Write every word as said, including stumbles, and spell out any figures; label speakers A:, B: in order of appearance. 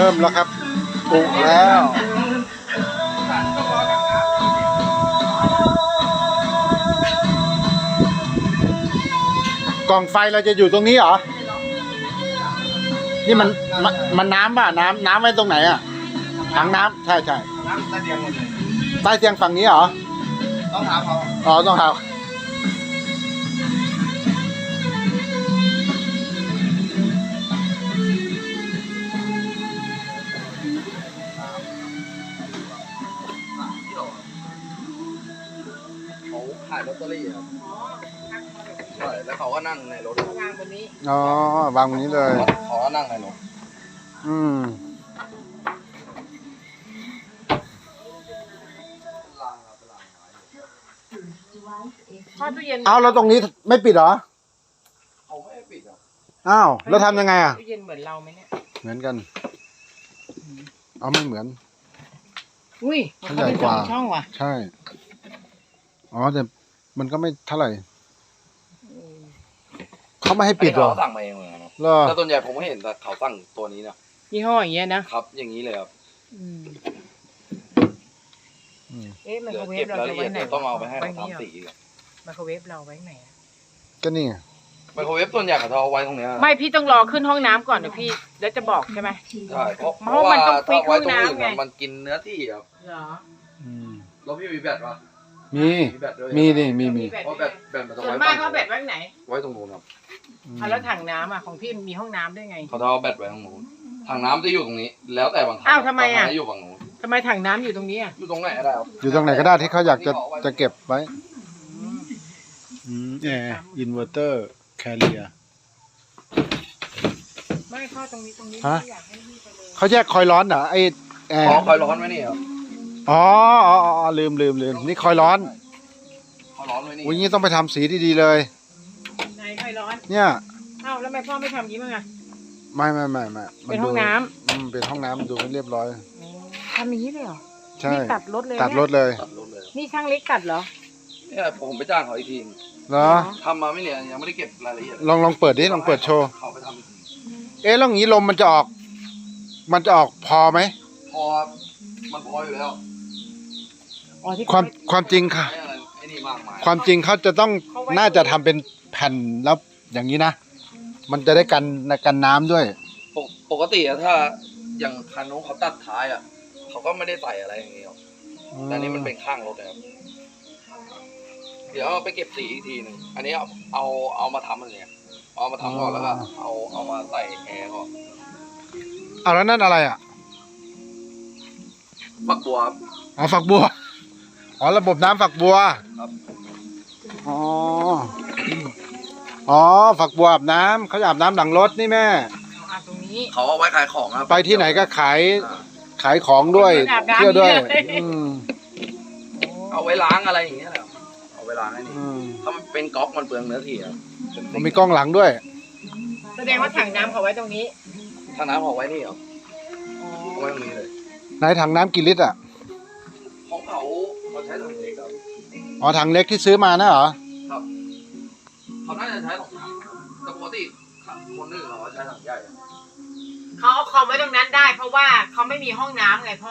A: ริ่มแล้วครับปุแล้วกล่องไฟเราจะอยู่ตรงนี้เหรอนี่มันมันมันน้ำป่ะน้ำน้ำไว้ตรงไหนอ่ะถังน้ำใช่ใช่
B: น้ำใต้เตียงหมดเลย
A: ใต้เตียงฝั่งนี้เหรอ
B: ต้องถามเขา
A: อ๋อต้องถาม
B: เขาขายลอตเตอรี่ครับใช่แล้วเขาก็นั่งในรถ
C: วางบนนี้
A: อ๋อวางบนนี้เลย
B: เขาก็นั่งในรถ
A: อืม
C: ทอดตู้เย็น
A: เอาแล้วตรงนี้ไม่ปิดเหรอ
B: เขาไม่ปิดอ่ะ
A: อ้าวแล้วทำยังไงอ่ะ
C: ตู้เย็นเหมือนเราไหมเนี่ย
A: เหมือนกันเอาไม่เหมือน
C: อุ้ย
A: มันใหญ่กว่า
C: ช่องว่ะ
A: ใช่อ๋อแต่มันก็ไม่เท่าไหร่เขาไม่ให้ปิดหรอ
B: เขาสั่งมาเองเลยครับแต่ส่วนใหญ่ผมไม่เห็นแต่เขาสั่งตัวนี้นะ
C: ยี่ห้ออย่างเงี้ยนะครับ
B: อย่างนี้เลยครับ
C: เอ๊ะไมโครเวฟเราจะไว้ไหน
B: ต้องเอาไปให้เขาทำสี
C: ไมโครเวฟเราไว้ไหน
A: ก็นี่
B: ไมโครเวฟส่วนใหญ่เขาเอาไว้ตรงนี้
C: ไม่พี่ต้องรอขึ้นห้องน้ำก่อนเดี๋ยวพี่แล้วจะบอกใช่ไหม
B: ใช่เพราะเพราะว่าถ้าไว้ตรงอื่นมันกินเนื้อที่ครับ
C: เหรอ
B: แล้วพี่มีแบตปะ
A: มีมีดิมีมี
B: เพราะแบตแบตมันต้อง
C: ไว้
B: บ้าน
C: เขาแบตไว้ไหน
B: ไว้ตรงนู้นครับ
C: แล้วถังน้ำอ่ะของพี่มีห้องน้ำได้ไง
B: เขาจะเอาแบตไว้ตรงนู้นถังน้ำจะอยู่ตรงนี้แล้วแต่บางครั้ง
C: อ้าวทำไมอ่ะ
B: อยู่ฝั่งนู้น
C: ทำไมถังน้ำอยู่ตรงนี้อ่ะ
B: อยู่ตรงไหนก็ได้ครับ
A: อยู่ตรงไหนก็ได้ที่เขาอยากจะจะเก็บไว้อืมแอร์อินเวอร์เตอร์แคเรีย
C: ไม่เข้าตรงนี้ตรงนี้อยากให้พี่ไปเลย
A: เขาแยกคอยร้อนเหรอไอแอร์
B: คอยร้อนไว้นี่ครับ
A: อ๋ออ๋อลืมลืมลืมนี่คอยร้อน
B: คอยร้อนไว้นี่
A: วันนี้ต้องไปทำสีดีๆเลย
C: ไหนคอยร้อน
A: เนี่ย
C: อ้าวแล้วทำไมพ่อไม่ทำยิ้มอ่ะ
A: ไม่ไม่ไม่ไม่
C: เป็นห้องน้ำ
A: อืมเป็นห้องน้ำดูให้เรียบร้อย
C: ทำอย่างนี้เลยเหรอ
A: ใช่
C: ตัดรถเลย
A: ตัดรถเลย
C: นี่ช่างเล็กตัดเหรอ
B: เนี่ยผมไปจ้างเขาอีกที
A: เหรอ
B: ทำมาไม่เนี่ยยังไม่ได้เก็บรายละเอียด
A: ลองลองเปิดดิลองเปิดโชว์
B: เขาไปทำอีกที
A: เอ๊ะแล้วอย่างนี้ลมมันจะออกมันจะออกพอไหม
B: พอมันพออยู่แล้ว
A: ความความจริงค่ะความจริงเขาจะต้องน่าจะทำเป็นแผ่นแล้วอย่างนี้นะมันจะได้กันกันน้ำด้วย
B: ปกติอะถ้าอย่างคันนู้นเขาตัดท้ายอะเขาก็ไม่ได้ใส่อะไรอย่างเงี้ยแต่นี้มันเป็นข้างรถนะครับเดี๋ยวไปเก็บสีอีกทีหนึ่งอันนี้เอาเอาเอามาทำอะไรเนี่ยเอามาทำก่อนแล้วก็เอาเอามาใส่แอร์ก่อน
A: เอาแล้วนั่นอะไรอ่ะ
B: ฝักบัว
A: อ๋อฝักบัวอ๋อระบบน้ำฝักบัว
B: ครับ
A: อ๋ออ๋อฝักบัวอาบน้ำเขาอาบน้ำหลังรถนี่แม่
C: ตรงนี้
B: เขาเอาไว้ขายของครับ
A: ไปที่ไหนก็ขายขายของด้วยเที่ยวด้วย
B: เอาไว้ล้างอะไรอย่างเงี้ยแหละเอาไว้ล้างไอ้นี่ถ้ามันเป็นก๊อกมันเปลืองเนื้อที่ครับ
A: มันมีกล้องหลังด้วย
C: แสดงว่าถังน้ำเขาไว้ตรงนี้
B: ถังน้ำเขาไว้นี่เหรอไว้ตรงนี้เลย
A: ไหนถังน้ำกี่ลิตรอ่ะ
B: ของเขาเขาใช้ถังเล็กครับ
A: อ๋อถังเล็กที่ซื้อมานะเหรอ
B: ครับเขาน่าจะใช้สองถังแต่ปกติคนอื่นเขาใช้ถังใหญ่
C: เขาเอาคอมไว้ตรงนั้นได้เพราะว่าเขาไม่มีห้องน้ำไงพ่อ